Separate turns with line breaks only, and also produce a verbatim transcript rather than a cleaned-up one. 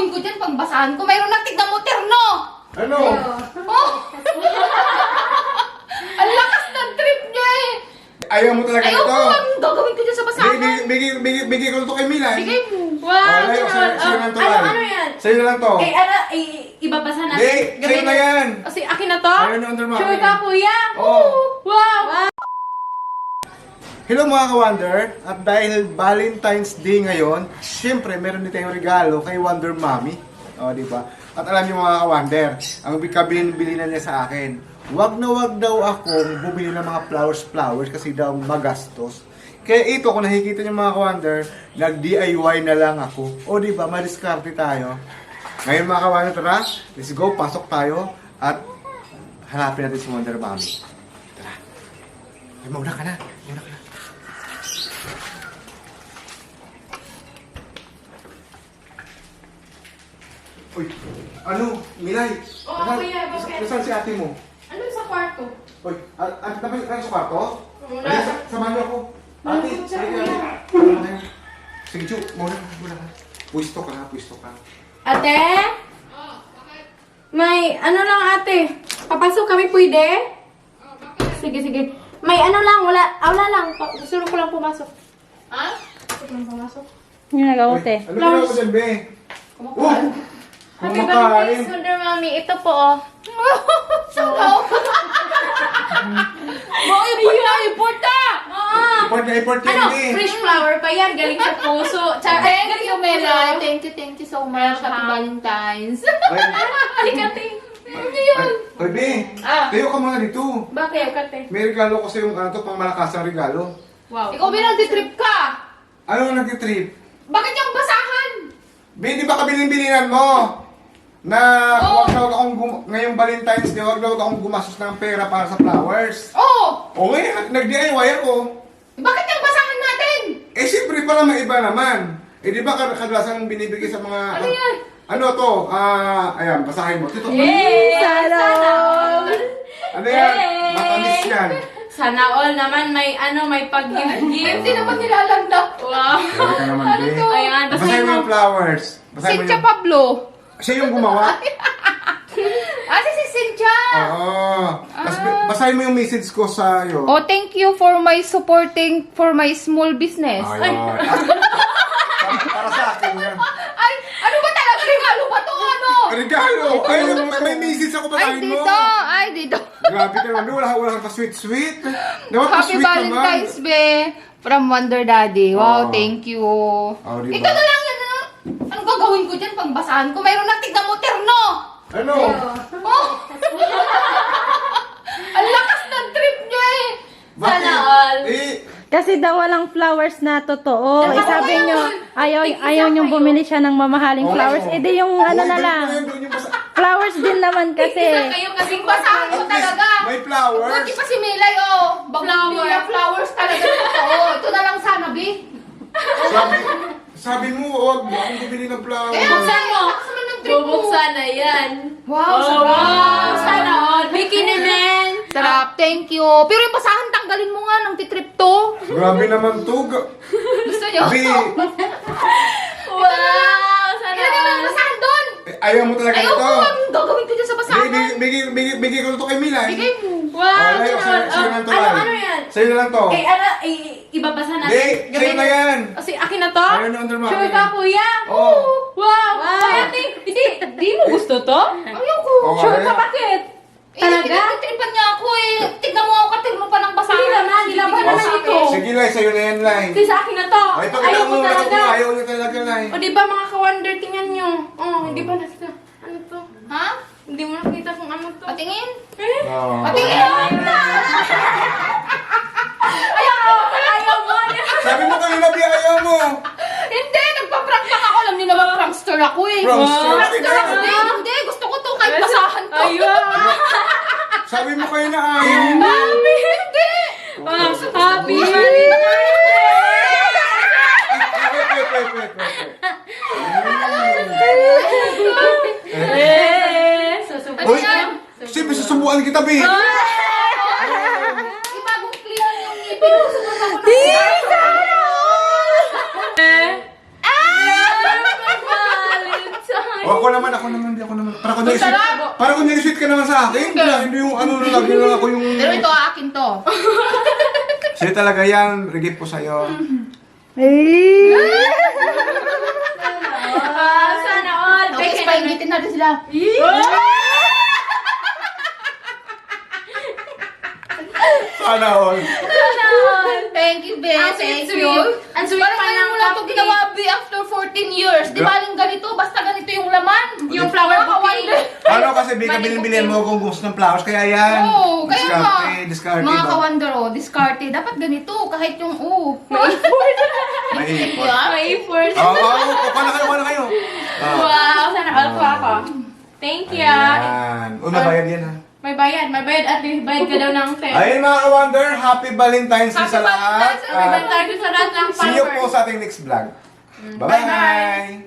gagawin ko dyan pag basahan ko? Mayroon na tignan mo, terno!
Ano?
Oh! Ang lakas ng trip niya eh!
Ayaw mo talaga
Ayaw
ito?
ko ang gagawin ko dyan sa basahan.
Bigay, bigay, bigay, bigay ko ito kay Milay.
Bigay mo.
Wow!
Oh, layo,
ano,
sa'yo- sa'yo
oh,
lang to,
ano,
Lan.
ano yan?
Sa'yo na lang to.
Eh, ano, eh, ibabasa natin.
Hindi, sa'yo na yan.
Kasi akin na to?
Ayaw na under mami.
Sure ka, kuya?
Oo.
Wow! wow.
Hello mga ka-Wonder, at dahil Valentine's Day ngayon, syempre meron din tayong regalo kay Wonder Mommy. O, di ba? At alam niyo mga ka-Wonder, ang kabilin-bili na niya sa akin, wag na wag daw akong bumili ng mga flowers-flowers kasi daw magastos. Kaya ito, kung nakikita niyo mga ka-Wonder, nag-D I Y na lang ako. O di ba, madiskarte tayo. Ngayon mga ka-Wonder, tara, let's go, pasok tayo at hanapin natin si Wonder Mommy. Tara. Ay, mauna ka na. Mauna ka na. Uy, ano? Milay?
Oo,
Nasaan-
kuya, bakit?
nas- Nasaan si ate mo?
Ano sa kwarto?
Uy, at at dapat ka sa kwarto?
Wala.
Ay, sa- samahan niyo ako. Ate,
Wala,
sige
kuya.
ka. Muna kayo. Sige, Ju, muna ka, muna ka. Pwisto ka, pwisto ka.
Ate? May, ano lang ate? Papasok kami pwede? Sige, sige. May ano lang, wala, ah, wala lang. Pa- Gusto ko lang pumasok.
Ha?
Gusto ko lang pumasok.
Yung nagawote.
Uy, ano ginawa mo dyan, be? Oh!
Happy
Kumakain.
Valentine's, Wonder Mommy. Ito po, oh.
Sagaw! Mga import na, import na!
Oo.
Import na import yan,
Ano,
be.
fresh flower pa yan. Galing sa puso. Tsaka, ay,
Thank
galing
you,
sa puso.
Mela. Thank you, thank you so much. Happy
Welcome.
Valentine's.
Ay,
Alikate.
Ano yan?
Ay, be.
Ah.
Tayo ka muna dito.
Bakit? Alikate.
May regalo ko sa yung ano to, pang malakas ang regalo.
Wow.
Ikaw binang-trip ka.
Ano ang nag-trip?
Bakit yung basahan?
Be, di ba kabilin-bilinan mo? Na
Oo.
huwag na huwag akong gum- ngayong Valentine's Day, huwag na huwag akong gumastos ng pera para sa flowers.
Oh!
O ngayon, nag-D I Y ako.
Bakit yung basahan natin?
Eh, siyempre para maiba naman. Eh, di ba kad- kadalasan binibigay sa mga...
Ano yan?
Ano to? Ah, ayan, basahin mo. Tito,
Yay!
Sana all!
ano yan?
Yay!
Matamis yan.
Sana all naman may ano, may pag-gift-gift.
Hindi naman nilalanda.
Wow.
Sorry ka naman,
Ano
be.
to?
Ayan,
Basahin
basahin
mo
mo.
yung flowers. Basahin mo
Cynthia
yung...
Pablo.
Siya yung gumawa?
Ah, si si Cynthia.
Oo. Tapos basahin mo yung message ko sa iyo.
Oh, thank you for my supporting for my small business.
Ayun. para, para sa akin yan.
Ay, ano ba talaga? Regalo ba to? Ano?
Regalo! Ay, may, may message ako
Ay,
basahin mo.
dito. Ay, dito.
Grabe ka naman, wala, wala kang pa-sweet-sweet. Dapat
Happy
pa-sweet
Valentine's,
naman.
be. From Wonder Daddy. Wow,
Oh.
thank you.
Oh, diba?
Ito na lang yan. Ano? Anong gagawin ko dyan pag basahan ko? Mayroon na tignan mo, terno.
Ano?
Oh! Ang lakas ng trip niya eh.
Bakit?
Sana all.
Eh,
Kasi daw walang flowers na totoo. Eh,
Ano
sabi
yan?
nyo, ayaw, ayaw nyo bumili siya ng mamahaling
oo.
flowers. Eh, di yung ano
Oo,
na
doon
lang.
mo yun, doon yung basa-
Flowers din naman kasi.
Isa kayo kasing
Basahan ko
At least,
talaga.
may flowers.
Buti pa si Milay, oh. Bagong flowers talaga na totoo. Ito na lang sana, be.
Sabi, sabi mo, huwag mo akong bumili ng flowers.
Eh,
Buksan mo.
Lakas naman ng trip mo.
Bubuksan na yan.
Wow,
Oh,
sarap.
wow. Sana all. Bikini man.
Sarap, thank you. Pero yung basahan, tanggalin mo nga ng titrip to.
Grabe naman to. Ga-
Gusto niyo?
Abi,
Wow. Sana
Ilagay mo yung
all.
basahan doon.
eh, ayaw mo talaga
Ayaw
ito.
ko ang gagawin ko dyan sa basahan.
Bigay, bigay, bigay, bigay ko ito kay Milay.
Bigay mo.
Wow.
Oh, layo,
Sana
sa'yo-
all.
sa'yo lang to,
Ano,
Lai.
ano yan?
Sa'yo na lang to.
Eh, ano, eh, ibabasa natin.
Hindi, sa'yo na yan.
Kasi akin na to?
Ayaw na under mami.
Sure ka, kuya?
Oo.
Wow.
Wow.
Ay, ate, hindi, di mo gusto to?
Ayaw ko.
Oo,
Sure
ayaw.
ka, bakit?
Eh,
Talaga?
Tinitiripan niya ako eh. Tignan mo ako, katirmo pa ng basahan.
Hindi naman, nilaban
Oh,
naman ito.
sige, Lai, sa'yo na yan, Lai.
Kasi sa akin na to.
Ay,
Ayaw
pakita
ko
mo na
talaga.
kung ayaw niya talaga, Lai.
O di ba mga ka-wonder, tingnan nyo. Oh, hindi ba nakita? Ano to?
Ha?
Hindi mo nakita kung ano to.
Patingin?
Eh?
Oo.
Patingin!
Ayaw! Ayaw mo!
Sabi mo kanina, Bi, ayaw mo.
Hindi, nagpa-prank lang ako. Alam niyo naman, prankster ako eh.
Prankster?
Prankster ako. Hindi, hindi. Gusto ko to kahit basahan to.
Ayaw!
Sabi mo kayo na ayaw mo.
Happy! Hindi!
Ah, happy!
Wait, wait, wait, wait, wait, wait.
Eh!
Ano
Uy,
yan?
siyempre susubuan kita, Bi.
Di bagong clean yung ngipin ko. Sumunod ako ng
Eh! Ah! Valentine!
O, ako naman, ako naman, hindi ako naman. Para kung
Ang
nag-sweet,
sarap!
para kung nag-sweet ka naman sa akin. Hindi, hindi yung ano na lagi lang ako yung...
Pero ito, akin to.
Sa'yo talaga yan, regip ko sa'yo.
Eh.
Ah, sana all.
Okay, painitin natin sila.
Sana all.
Thank you, Be.
Ang
Thank
sweet,
you.
sweet. Ang sweet
Parang
pa
ngayon
ng
mo lang ito
cupcake.
ginawa, Be, after fourteen years. Di ba aling ganito? Basta ganito yung laman.
Yung flower
Mga
bouquet.
ka-wonder.
Ano kasi, Bika, bilhin-bilhin mo kung gusto ng flowers, kaya yan.
Oo, kaya nga.
Discarte, discarte
Mga
ba?
ka-wonder, oh, discarte. Dapat ganito, kahit yung, oh.
May ipon.
May force.
Oo, oo, kuha na kayo, kuha na kayo. Ah.
Wow, sana all ko ako. Thank you.
Ayan. Uy, mabayad yan ha.
May bayad, may bayad at may bayad ka daw ng ten.
Ayun mga ka-wonder, happy Valentine's Day
Happy
sa lahat.
Valentine's Day,
May
At
bayad tayo sa lahat ng
see you
followers.
po sa ating next vlog.
Bye-bye.
Bye-bye!